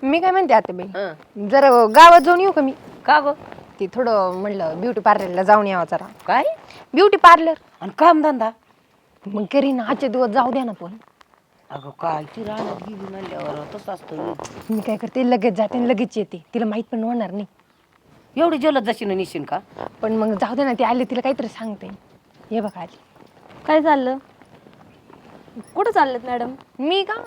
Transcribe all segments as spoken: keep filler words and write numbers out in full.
मी काय म्हणते आता बाई जरा गावात जाऊन येऊ का मी का ग ते थोडं म्हणलं ब्युटी पार्लरला जाऊन यावं जरा काय ब्युटी पार्लर आणि काम धंदा मग करीन आजचे दिवस जाऊ द्या ना पण अगं काय ती राहण्यात गेली म्हणल्यावर तसं असतं मी काय करते लगेच जाते आणि लगेच येते तिला माहित पण होणार नाही एवढी जलद जशी निशीन का पण मग जाऊ दे ना ती आली तिला काहीतरी सांगते हे बघा आली काय चाललं कुठं चाललेत मॅडम मी का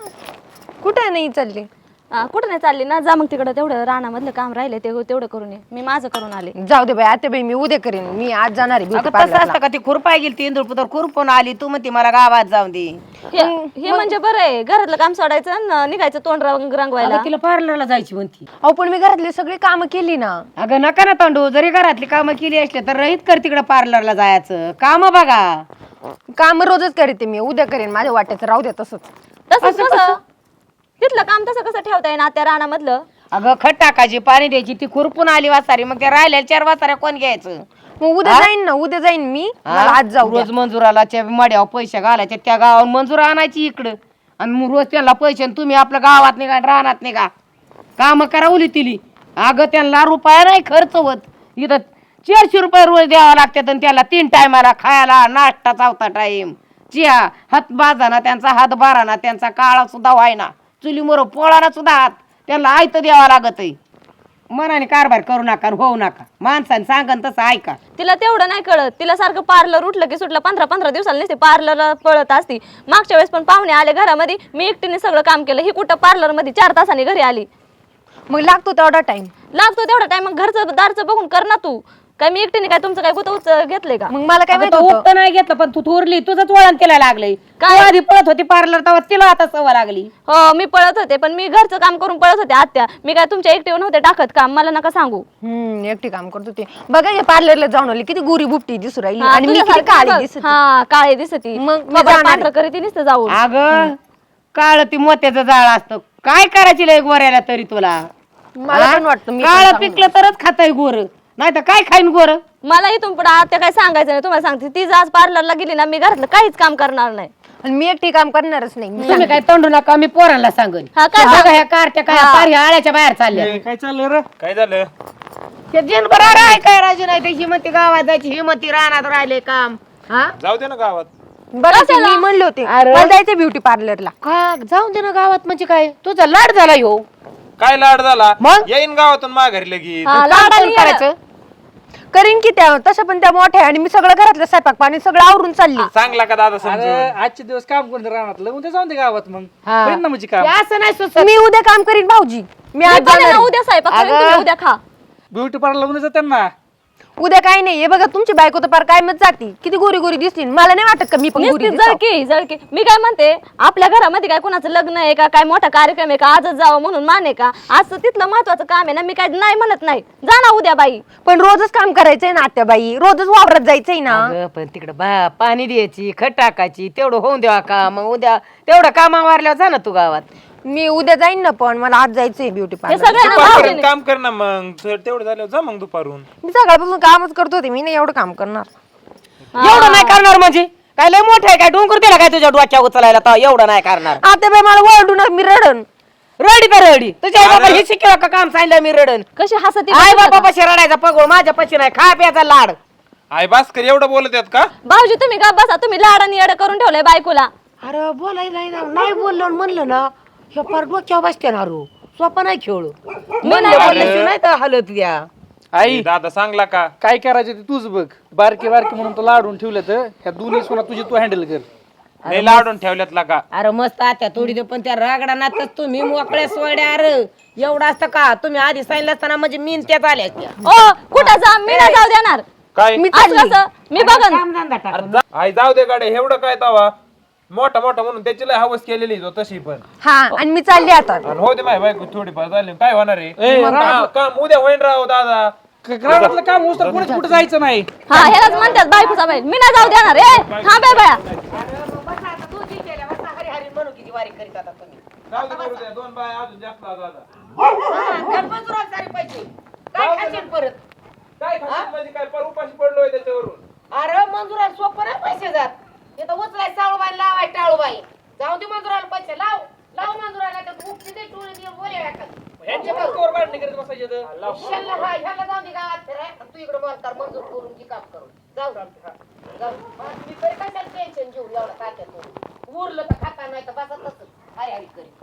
कुठे नाही चालले कुठं नाही चालली ना जा मग तिकडं तेवढं रानामधलं काम राहिले ते तेवढं करून ये मी माझं करून आले जाऊ दे बाई आता बाई मी उद्या करीन मी आज जाणार आहे ब्युटी अगं तसं असतं पार्लरला का ती खुरपाय गेली ती इंदुरपुतर खुरपून आली तू म्हणते मला गावात जाऊन दे हे हे म्हणजे बरं आहे घरातलं काम सोडायचं आणि निघायचं तोंड रंग रंगवायला अगं तिला पार्लरला जायची म्हणती अहो पण मी घरातली सगळी कामं केली ना अगं नका ना तांडू जरी घरातली कामं केली असली तर रहित कर तिकडं पार्लरला जायचं काम बघा काम रोजच करते मी उद्या करेन माझ्या वाट्याचं राहू द्या तसंच तसंच कसं तिथलं काम तसं कसं ठेवता येईल त्या रानामधलं अगं खत टाकायची पाणी द्यायची ती खुरपून आली वासारी मग त्या राहिल्या चार वासाऱ्या कोण घ्यायचं मग उद्या जाईन ना उद्या जाईन मी मला आज जाऊ द्या. रोज मंजुराला त्या मड्यावर पैसे घालायचे त्या गावावर मंजूर आणायची इकडं आणि मग रोज त्यांना पैसे आणि तुम्ही आपल्या गावात निघा राहणार नाही का काम करावली तिली अगं त्यांना रुपया नाही खर्च होत इथं चारशे रुपये रोज द्यावा लागतात आणि त्याला तीन टायमाला खायला नाश्ता चौथा टाइम चिया हात बाजाना त्यांचा हात बाराना त्यांचा काळा सुद्धा व्हायना चुलीमोर पोळाना सुद्धा हात त्यांना आयत द्यावा लागत आहे मनाने कारभार करू नका होऊ नका माणसाने सांगन तसं ऐका तिला तेवढं नाही कळत तिला सारखं पार्लर उठलं की सुटलं पंधरा पंधरा दिवसाला नसते पार्लर पळत असती मागच्या वेळेस पण पाहुणे आले घरामध्ये मी एकटीने सगळं काम केलं ही कुठं पार्लर मध्ये चार तासांनी घरी आली मग लागतो तेवढा टाइम लागतो तेवढा टाइम मग घरचं दारचं बघून कर ना तू काय मी एकटीने काय तुमचं काय गुतवूच घेतलंय का मग मला काय अगं माहित तो होतं उपटं नाही घेतलं पण तू थोरली तुझंच वळण तिला लागलंय काय? तू आधी पळत होती पार्लर तेव्हा तिला आता सवय लागली हो मी पळत होते पण मी घरचं काम करून पळत होते आत्या मी काय तुमच्या एकटीवर नव्हते टाकत काम मला नका सांगू हम्म एकटी काम करत होती बघा या पार्लरला जाऊन आली किती गोरी बुपटी दिसू राहिली हा, आणि मी किती तुझ्यासारखी काळी बघ. दिसत हा काळे दिसती मग मी मग जाणार पांढरं करीत नुसतं जाऊन अगं काळ ती मोत्याचं जाळ असतं काय करायची लय गोऱ्याला तरी तुला मला पण वाटतं मी काळ पिकलं तरच खाताय गोर नाही तर काय खाईन गोर मला इथून पुढे आत्या काय सांगायचं नाही तुम्हाला सांगते ती आज पार्लरला गेली ना मी घरातलं काहीच काम करणार नाही आणि मी एकटी काम करणारच नाही मी तुम्ही काय तोंडू नका मी पोरांना सांगन हा, काय बघा ह्या कारच्या काय पार ह्या आळ्याच्या बाहेर चालल्या काय चाललं रे काय झालं ते दिनभर आहे काय राजू नाही त्याची हिमती गावात जायची हिमती रानात राहिले काम हा जाऊ दे ना गावात बरं ते मी म्हणले होते मला जायचं ब्युटी पार्लरला का जाऊन दे ना गावात म्हणजे काय तुझा लाड झाला ह्यो काय लाड झाला मग? येईन गावातून माघारी लगेच हा, काम लाडाने कोण करायचं करीन की त्या तसं पण त्या मोठ्या आणि मी सगळं घरातलं स्वयंपाक पाणी सगळं आवरून चालली चांगला का दादा समजून अरे आजचे दिवस काम करून राहणार उद्या जाऊन दे गावात मग हा. करीन ना म्हणजे काम हे असं नाही सुचत मी उद्या काम करीन भाऊजी मी मी आज पण आहे जाणार ना, आहे. उद्या स्वयंपाक करेन, तुम्ही उद्या खा ब्युटी पार्लर उद्या जातात ना उद्या काही नाही हे बघा तुमची बायको तर पार काय मत जाती किती गोरी गोरी दिसली मला नाही वाटत का मी पण गोरी नुसती दिसावं. जळकी जळकी मी काय म्हणते आपल्या घरामध्ये काय कोणाचं लग्न आहे का काय मोठा कार्यक्रम आहे का आजच जावं म्हणून माने का आज तिथलं महत्वाचं काम आहे ना मी काय नाही म्हणत नाही जा ना उद्या बाई पण रोजच काम करायचंय ना आत्याबाई रोजच वावरात जायचंय ना अगं, पण तिकडं बा पाणी द्यायची खत टाकायची तेवढं होऊन द्यावा का मग उद्या तेवढं कामा मारल्यावर जा ना तू गावात मी उद्या जाईन ना पण मला आज जायचंय ब्युटी हे पार्लर सगळं ना दुपारपर्यंत भाऊजीने. काम कर ना मग तर तेवढं झालं जा मग दुपारून मी सकाळपासून कामच करत होते मी नाही एवढं काम करणार एवढं नाही करणार म्हणजे काय लय मोठं आहे काय डोंगर दिला काय तुझ्या डोक्या उचलायला तर एवढं नाही करणार आत्याबाई मला ओरडू नका मी रडन रडी तर रडी तुझ्या आई बाबा हे शिकवा का काम सांगितलं मी रडन कशी हसती आई बघितलं बाबा का? पशी रडायचा पगोळ माझ्या पशी नाही खा प्याचा लाड आई भास्कर एवढं बोलत आहेत का भाऊजी तुम्ही का बसा तुम्ही लाडानी येडं करून ठेवलंय बायकोला अरे बोलायला नाही ना नाही बोललो म्हणलं ना हे फार डोक्यावर बसते ना रो सोपा नाही खेळू म्हणलं बोलल्याशिवाय नाही तर हलत द्या आई दादा सांगला का काय करायचं ते तूच बघ बारके बारके म्हणून तो लाडून ठेवलं तर ह्या दोन्ही सोना तुझी तू हँडल कर नाही लाडून ठेवल्यात का अरे मस्त आत्या थोडी दे पण त्या रागडा नातच तुम्ही मोकळ्या सोड्या अरे एवढं असतं का तुम्ही आधी सांगितलं असताना म्हणजे मीन त्याच आल्या असत्या ओ कुठं जा मी नाही जाऊ देणार काय आज कसं मी बघन कामधंदा टाक. अरे जा- आई जाऊ दे गाडे एवढं काय तवा मोठा मोठा म्हणून त्याची लय हवस केलेली जो तशी पण हा आणि मी चालली आता आणि हो दे माय बायको थोडीफार झाली काय होणार आहे ए, काम काम उद्या होईन राव दादा घरातलं काम होत तर कुठे कुठे जायचं नाही हा ह्यालाच म्हणतात बायकोचा बाई मी नाही जाऊ देणार ए थांब ए बाया जाऊ दे करू दे दोन बाय अजून जास्त लावा दादा काय खाशील परत काय खाशील म्हणजे काय पर उपाशी पडलोय त्याच्यावरून अरे मंजुराला सोपं नाही पैसे जात तिथं उचलाय साळूबाई लावाय टाळूबाई जाऊ दे मंजुराला पैसे लाव लाव मंजुराला तर उपटी दे टोळी दे बोले बसायचे तर. ह्याला हा, ह्याला जाऊन दे गावात फिराय. तू इकडे मोलकार मंजूर करून की काम करून जाऊ जाऊ मी तरी कशाला टेन्शन घेऊ एवढं तात्यात उरलं तर खाता नाही तर बसा तसंच अरे अरे करी